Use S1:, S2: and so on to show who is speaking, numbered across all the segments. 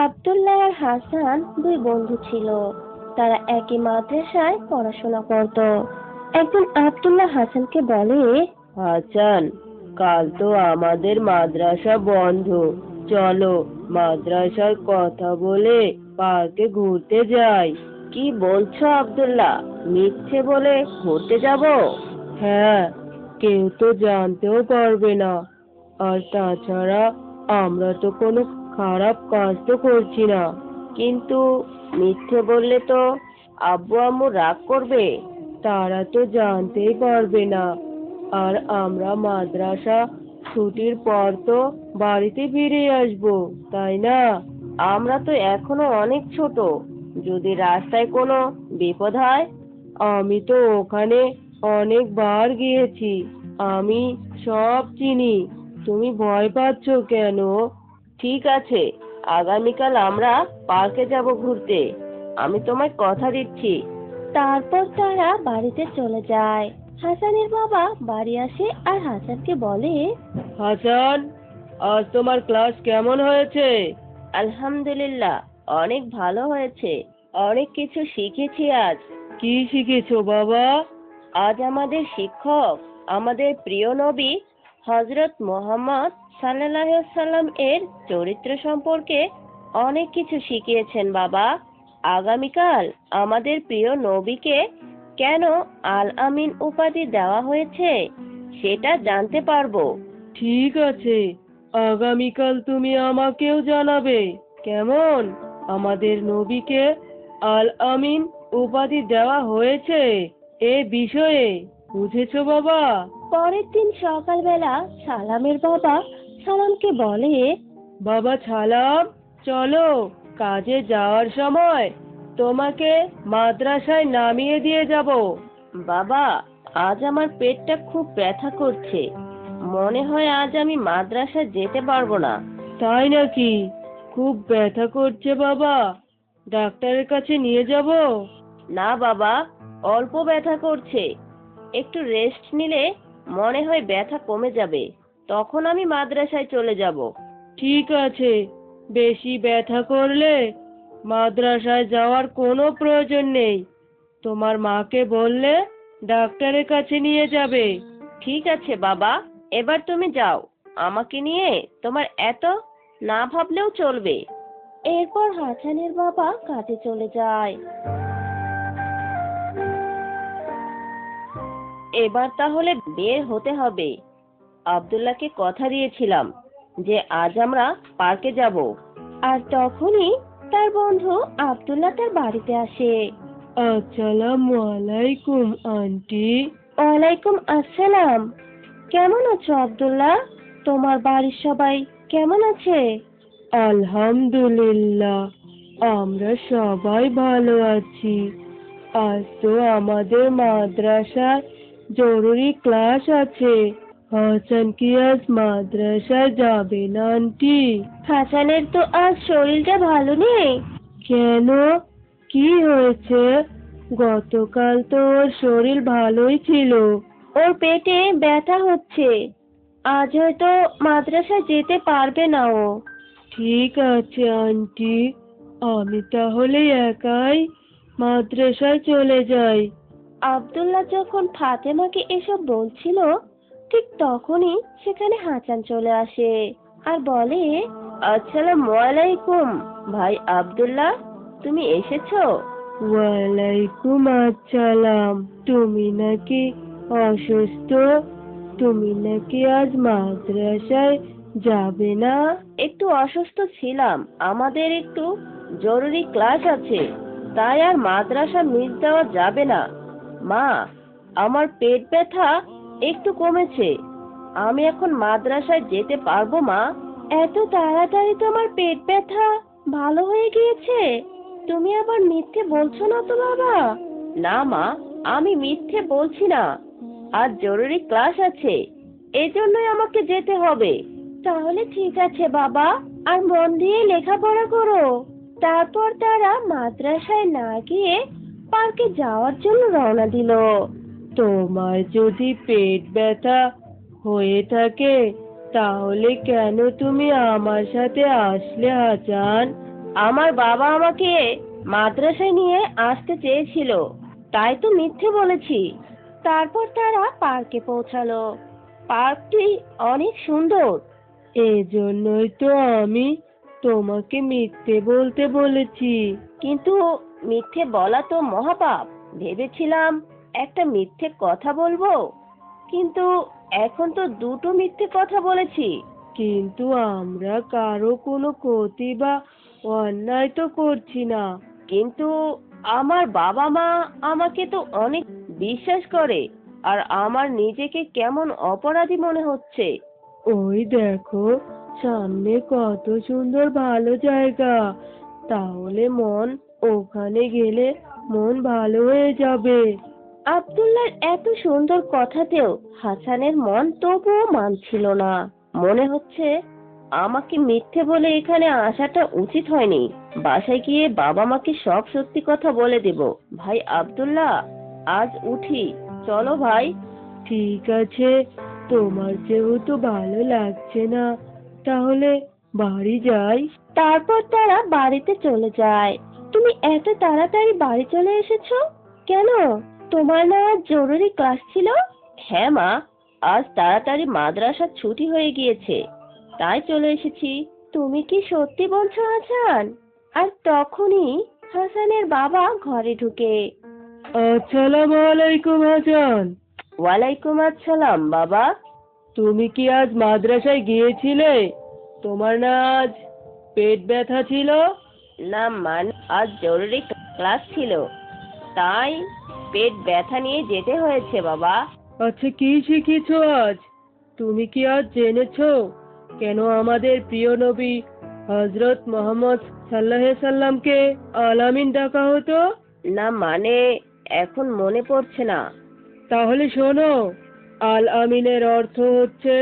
S1: আব্দুল্লাহ আর হাসান দুই বন্ধু ছিল। তারা একই মাদ্রাসায় পড়াশোনা করত। একদিন আব্দুল্লাহ হাসানকে বলে,
S2: হাসান, কাল তো আমাদের মাদ্রাসা বন্ধ, চলো মাদ্রাসার কথা বলে পার্কে ঘুরতে যাই। কি বলছো আব্দুল্লাহ, মিথ্যে বলে ঘুরতে যাব? হ্যাঁ, কেউ তো জানতেও পারবে না। আর তাছাড়া আমরা তো কোনো খারাপ কাজ তো করছি না। কিন্তু মিথ্যে বললে তো আব্বু আম্মু রাগ করবে, তারা তো জানতেই পারবে না। আর আমরা মাদ্রাসা ছুটির পর তো বাড়িতে ফিরে আসবো, তাই না? আমরা তো এখনো অনেক ছোট, যদি রাস্তায় কোনো বিপদ হয়। আমি তো ওখানে অনেকবার গিয়েছি, আমি সব চিনি। তুমি ভয় পাচ্ছ কেন? ঠিক আছে, আগামীকাল আমরা পার্কে যাব ঘুরতে, আমি তোমায় কথা দিচ্ছি।
S1: তারপর তারা বাড়িতে চলে যায়। হাসানের বাবা বাড়ি আসে আর হাসানকে বলে,
S2: হাসান, আজ তোমার ক্লাস কেমন হয়েছে? আলহামদুলিল্লাহ, অনেক ভালো হয়েছে, অনেক কিছু শিখেছি আজ। কি শিখেছো বাবা? আজ আমাদের শিক্ষক আমাদের প্রিয় নবী হযরত মুহাম্মদ সাল্লাল্লাহু আলাইহি সাল্লাম এর চরিত্র সম্পর্কে অনেক কিছু শিখিয়েছেন বাবা। আগামীকাল আমাদের প্রিয় নবীকে কেন আল আমিন উপাধি দেওয়া হয়েছে সেটা জানতে পারবো। ঠিক আছে, আগামীকাল তুমি আমাকেও জানাবে কেমন আমাদের নবীকে আল আমিন উপাধি দেওয়া হয়েছে এ বিষয়ে। বুঝেছো বাবা?
S1: পরের দিন সকালবেলা সালামের বাবা সালামকে বলে,
S2: বাবা সালাম, চলো কাজে যাওয়ার সময় তোমাকে মাদ্রাসায় নামিয়ে দিয়ে যাব। বাবা, আজ আমার পেটটা খুব ব্যথা করছে, মনে হয় আজ আমি মাদ্রাসায় যেতে পারবো না। তাই নাকি? খুব ব্যথা করছে বাবা, ডাক্তারের কাছে নিয়ে যাব? না বাবা, অল্প ব্যথা করছে, একটু রেস্ট নিলে মনে হয় ব্যথা কমে যাবে, তখন আমি মাদ্রাসায় চলে যাব। ঠিক আছে, বেশি ব্যথা করলে মাদ্রাসায় যাওয়ার কোনো প্রয়োজন নেই, তোমার মাকে বললে ডাক্তারের কাছে নিয়ে যাবে। ঠিক আছে বাবা, এবার তুমি যাও, আমাকে নিয়ে তোমার এত না ভাবলেও চলবে।
S1: এরপর হাসানের বাবা কাজে চলে যায়।
S2: এবার তাহলে বের হতে হবে। আব্দুল্লাহকে কথা দিয়েছিলাম যে আজ আমরা পার্কে যাব।
S1: আর তখনই তার বন্ধু আব্দুল্লাহ তার বাড়িতে আসে।
S2: আসসালামু আলাইকুম আন্টি।
S1: ওয়ালাইকুম আসসালাম। কেমন আছো আব্দুল্লাহ? তোমার বাড়ির সবাই কেমন আছে?
S2: আলহামদুলিল্লাহ, আমরা সবাই ভালো আছি। আজ তো আমাদের মাদ্রাসায় জরুরি ক্লাস আছে। হাসান কি আজ মাদ্রাসায় যাবে না আন্টি?
S1: হাসানের তো আজ শরীরটা ভালো নেই।
S2: কেন, কি হয়েছে? গতকাল তো ওর শরীর ভালোই ছিল।
S1: ওর পেটে ব্যথা হচ্ছে, আজ হয়তো মাদ্রাসায় যেতে পারবে না ও।
S2: ঠিক আছে আন্টি, আমি তাহলে একাই মাদ্রাসায় চলে যাই।
S1: আব্দুল্লাহ যখন ফাতেমাকে এসব বলছিল, ঠিক তখনই সেখানে হাসান চলে আসে আর বলে,
S2: আসসালামু আলাইকুম ভাই আব্দুল্লাহ, তুমি এসেছো? ওয়ালাইকুম আসসালাম। তুমি নাকি অসুস্থ? তুমি নাকি আজ মাদ্রাসায় যাবে না? একটু অসুস্থ ছিলাম, আমাদের একটু জরুরি ক্লাস আছে, তাই আর মাদ্রাসা মিস দেওয়া যাবে না। মা, আমার পেট ব্যথা একটু কমেছে, আমি এখন মাদ্রাসায় যেতে পারবো মা?
S1: এত তাড়াতাড়ি তোমার পেট ব্যথা ভালো হয়ে গিয়েছে? তুমি আবার মিথ্যে বলছো না তো বাবা?
S2: না মা, আমি মিথ্যে বলছি না, আজ জরুরি ক্লাস আছে, এজন্যই আমাকে যেতে হবে।
S1: তাহলে ঠিক আছে বাবা, আর মন দিয়ে লেখাপড়া করো। তারপর তারা মাদ্রাসায় না গিয়ে পার্কে যাওয়ার জন্য রওনা দিল।
S2: তোমার যদি পেট ব্যথা হয়ে থাকে তাহলে কেন তুমি আমার সাথে আসলে হাসান?
S1: আমার বাবা আমাকে মাদ্রাসায় নিয়ে আসতে চেয়েছিল, তাই তো মিথ্যে বলেছি। তারপর তারা পার্কে পৌঁছালো। পার্কটি অনেক সুন্দর।
S2: এজন্যই তো আমি তোমাকে মিথ্যে বলতে বলেছি।
S1: কিন্তু মিথ্যে বলা তো মহাপাপ। ভেবেছিলাম একটা মিথ্যে কথা বলবো, কিন্তু এখন তো দুটো মিথ্যে কথা বলেছি।
S2: কিন্তু আমরা কারো কোনো ক্ষতি বা অন্যায় তো করছি না।
S1: কিন্তু আমার বাবা মা আমাকে তো অনেক বিশ্বাস করে, আর আমার নিজেকে কেমন অপরাধী মনে হচ্ছে।
S2: ওই দেখো, সামনে কত সুন্দর ভালো জায়গা। তাহলে ওখানে গেলে মন ভালো হয়ে যাবে।
S1: আব্দুল্লাহর এত সুন্দর কথাতেও হাসানের মন তবুও মানছিল না। মনে হচ্ছে আমাকে মিথ্যে বলে এখানে আসাটা উচিত হয়নি। বাসায় গিয়ে বাবা মাকে সব সত্যি কথা বলে দেব। ভাই আব্দুল্লাহ, আজ উঠি, চলো ভাই।
S2: ঠিক আছে, তোমার যেহেতু ভালো লাগছে না, তাহলে বাড়ি যাই।
S1: তারপর তারা বাড়িতে চলে যায়। তুমি এত তাড়াতাড়ি বাড়ি চলে এসেছো কেন? তোমার না আজ জরুরি ক্লাস ছিল? হ্যাঁ মা, আজ তাড়াতাড়ি মাদ্রাসা ছুটি হয়ে গিয়েছে, তাই চলে এসেছি। তুমি কি সত্যি বলছো হাসান? আর তখনই হাসানের বাবা ঘরে ঢুকে।
S2: আসসালামু আলাইকুম হাসান।
S1: ওয়ালাইকুম আসসালাম বাবা।
S2: তুমি কি আজ মাদ্রাসায় গিয়েছিলে? তোমার না আজ পেট ব্যথা ছিল?
S1: না মানে আজ জরুরি ক্লাস ছিল, তাই পেট ব্যথা নিয়ে যেতে হয়েছে বাবা।
S2: আচ্ছা, কি শিখেছো আজ? তুমি কি আজ জেনেছো কেন আমাদের প্রিয় নবী হযরত মুহাম্মদ সাল্লাল্লাহু আলাইহি সাল্লামকে আলামিন ডাকা হতো?
S1: না মানে এখন মনে পড়ছে না।
S2: তাহলে শোনো, আল আমিনের অর্থ হচ্ছে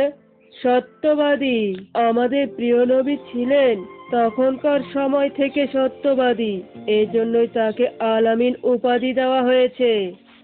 S2: সত্যবাদী। আমাদের প্রিয় নবী ছিলেন তখনকার সময় থেকে সত্যবাদী, এজন্যই তাকে আল আমিন উপাধি দেওয়া হয়েছে।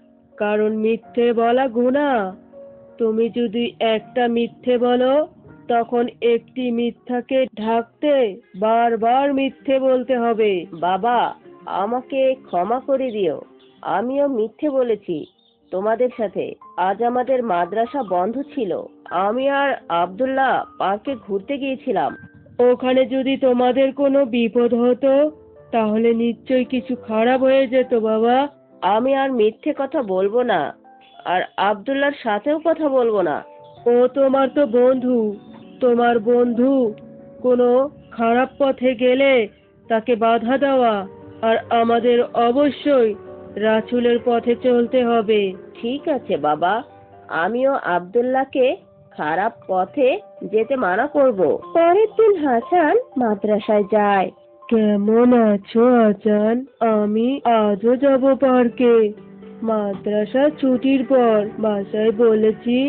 S2: কারণ মিথ্যে বলা গুনাহ। তুমি যদি একটা মিথ্যে বলো, তখন একটি মিথ্যাকে ঢাকতে বারবার মিথ্যে বলতে হবে।
S1: বাবা, আমাকে ক্ষমা করে দিও, আমিও মিথ্যে বলেছি তোমাদের সাথে। আজ আমাদের মাদ্রাসা বন্ধ ছিল, আমি আর আব্দুল্লাহ পার্কে ঘুরতে গিয়েছিলাম।
S2: ওখানে যদি তোমাদের কোনো বিপদ হতো, তাহলে নিশ্চয়ই কিছু খারাপ হয়ে যেত বাবা।
S1: আমি আর মিথ্যে কথা বলবো না, আর আব্দুল্লাহর সাথেও কথা বলবো না।
S2: ও তোমার তো বন্ধু। তোমার বন্ধু কোনো খারাপ পথে গেলে তাকে বাধা দেওয়া, আর আমাদের অবশ্যই রাসূলের পথে চলতে হবে।
S1: ঠিক আছে বাবা, আমিও আব্দুল্লাহকে খারাপ পথে যেতে মানা করব। পরের দিন হাসান মাদ্রাসায় যায়।
S2: কেমন আছো আজান? আমি আজও যাব পার্কে। মাদ্রাসা ছুটির পর বাসায় বলেছি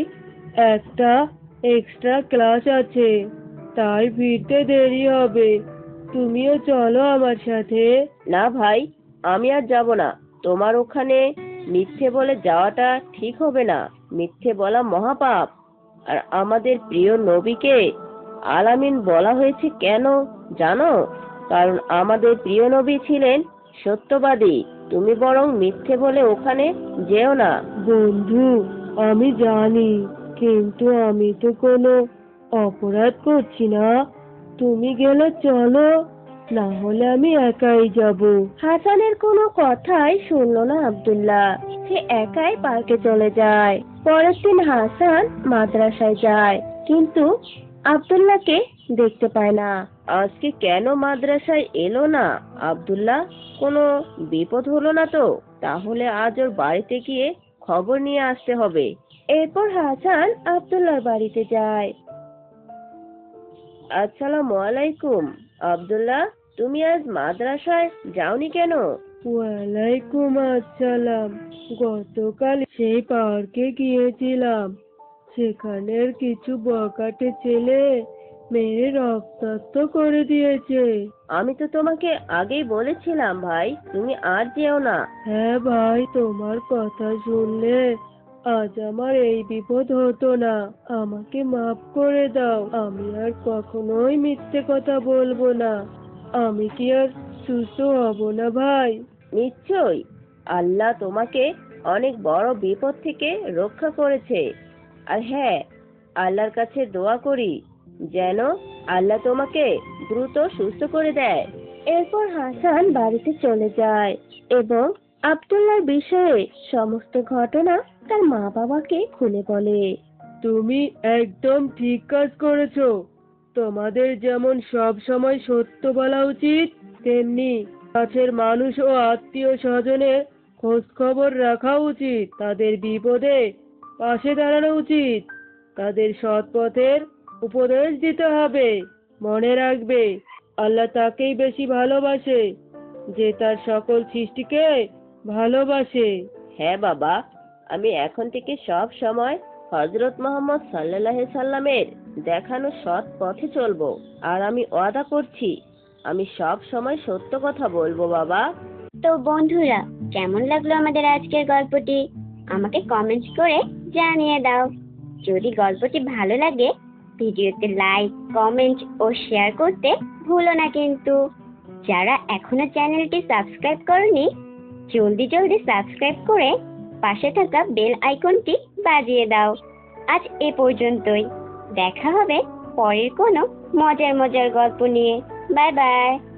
S2: একটা এক্সট্রা ক্লাস আছে, তাই ফিরতে দেরি হবে। তুমিও চলো আমার সাথে।
S1: না ভাই, আমি আর যাব না। তোমার ওখানে মিথ্যে বলে যাওয়াটা ঠিক হবে না। মিথ্যে বলা মহাপাপ। আর আমাদের প্রিয় নবীকে আলামিন বলা হয়েছে কেন জানো? কারণ আমাদের প্রিয় নবী ছিলেন সত্যবাদী। তুমি বরং মিথ্যে বলে ওখানে যেও না।
S2: বন্ধু, আমি জানি, কিন্তু আমি তো কোনো অপরাধ করছি না। তুমি গেলে চলো, না হলে আমি একাই যাব।
S1: হাসানের কোনো কথাই শুনলো না আব্দুল্লাহ। সে একাই পার্কে চলে যায়। পরের দিন হাসান মাদ্রাসায় যায়, কিন্তু আব্দুল্লাহকে দেখতে পায় না। আজকে কেন মাদ্রাসায় এলো না আব্দুল্লাহ? কোনো বিপদ হলো না তো? তাহলে আজ ওর বাড়িতে গিয়ে খবর নিয়ে আসতে হবে। এরপর হাসান আব্দুল্লাহর বাড়িতে যায়। আসসালামু আলাইকুম আব্দুল্লাহ, তুমি আজ মাদ্রাসায় যাওনি কেন?
S2: ওয়ালাইকুম আসসালাম। গতকাল সেই পার্কে গিয়েছিলাম। সেখানের কিছু বখাটে ছেলে মেরে রক্তাক্ত করে দিয়েছে।
S1: আমি তো তোমাকে আগেই বলেছিলাম ভাই, তুমি আর যেও না।
S2: হ্যাঁ ভাই, তোমার কথা শুনলে আজ আমার এই বিপদ হতো না। আমাকে মাফ করে দাও। আমি আর কখনোই মিথ্যে কথা বলবো না। আমি কি আর সুস্থ হব না ভাই? নিশ্চয়ই, আল্লাহ তোমাকে অনেক বড় বিপদ থেকে রক্ষা করেছে। আর হ্যাঁ, আল্লাহর কাছে দোয়া করি যেন আল্লাহ তোমাকে দ্রুত সুস্থ করে দেয়।
S1: এরপর হাসান বাড়িতে চলে যায় এবং আব্দুল্লাহর বিষয়ে সমস্ত ঘটনা তার মা বাবাকে খুলে বলে।
S2: তুমি একদম ঠিক কাজ করেছো। তোমাদের যেমন সব সময় সত্য বলা উচিত, তেমনি কাছের মানুষ ও আত্মীয় স্বজনের খোঁজ খবর রাখা উচিত। তাদের বিপদে পাশে দাঁড়ানো উচিত। তাদের সৎ পথের উপদেশ দিতে হবে। মনে রাখবে, আল্লাহ তাকেই বেশি ভালোবাসে যে তার সকল সৃষ্টিকে ভালোবাসে। হ্যাঁ বাবা, আমি এখন থেকে সব সময় হযরত মুহাম্মদ সাল্লাল্লাহু সাল্লামের দেখানো সৎ পথে চলবো। আর আমি ওয়াদা করছি, আমি সব সময় সত্য কথা বলবো বাবা।
S3: তো বন্ধুরা, কেমন লাগলো আমাদের আজকের গল্পটি? আমাকে কমেন্ট করে জানিয়ে দাও। যদি গল্পটি ভালো লাগে, ভিডিওতে লাইক, কমেন্ট ও শেয়ার করতে ভুলো না কিন্তু। যারা এখনো চ্যানেলটি সাবস্ক্রাইব করনি, জলদি জলদি সাবস্ক্রাইব করে পাশে থাকা বেল আইকনটি বাজিয়ে দাও। আজ এ পর্যন্তই। দেখা হবে পরের কোনো মজার মজার গল্প নিয়ে। Bye by.